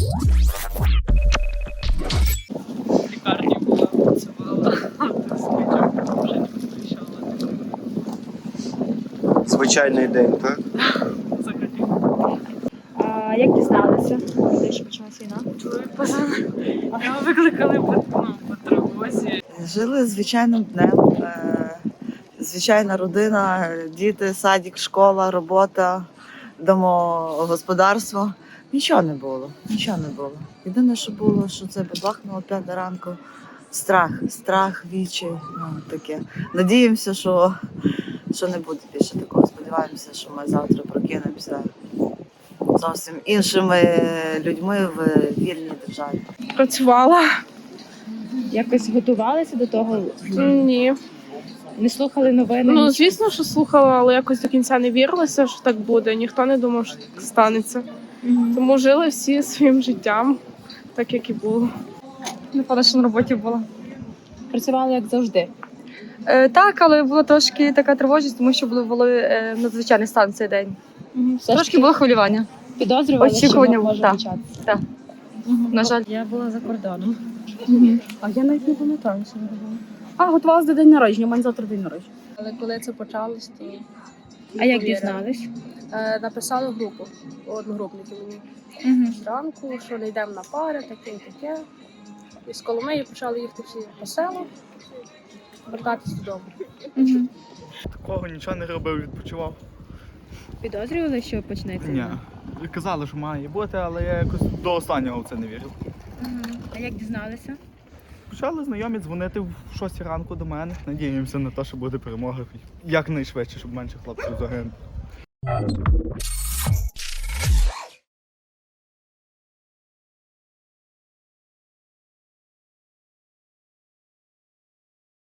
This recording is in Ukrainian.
В лікарні була, працювала, спочатку вже не приїжджала. Звичайний день, так? Взагалі. А як дізналися, що почалася війна? Чоловік позвонив. Його викликали по тривозі. Жили звичайним днем. Звичайна родина, діти, садик, школа, робота, домогосподарство. Нічого не було, нічого не було. Єдине, що було, що це бабахнуло 5 ранку. Страх, відчай, таке. Надіємося, що не буде більше такого. Сподіваємося, що ми завтра прокинемося зовсім іншими людьми в вільній державі. Працювала? Якось готувалися до того? Ні. Не слухали новини? Ну, нічого? звісно, що слухала, але якось до кінця не вірилася, що так буде. Ніхто не думав, що так станеться. Тому жили всі своїм життям, так як і було. Напевно, що на роботі була. Працювали як завжди. Так, але була трошки така тривожність, тому що були надзвичайний стан цей день. Все ж Трошки таки було хвилювання. підозрювали, очікування що може так. початися. Так. На жаль. Я була за кордоном. А я навіть не пам'ятаю, що я робила. Готувалася до день народження, у мене завтра день народження. Але коли це почалось, то А як дізнались? написали в групу одногрупники мені зранку, що не йдемо на пари, таке і таке. І з Коломиї почали їхати всі по селу, вертатись додому. Такого нічого не робив, відпочивав. Підозрювали, що почнеться? Ні. Казали, що має бути, але я якось до останнього в це не вірив. А як дізналися? Почали знайомі дзвонити в 6 ранку до мене. Надіємося на те, що буде перемога якнайшвидше, щоб менше хлопців загинуло.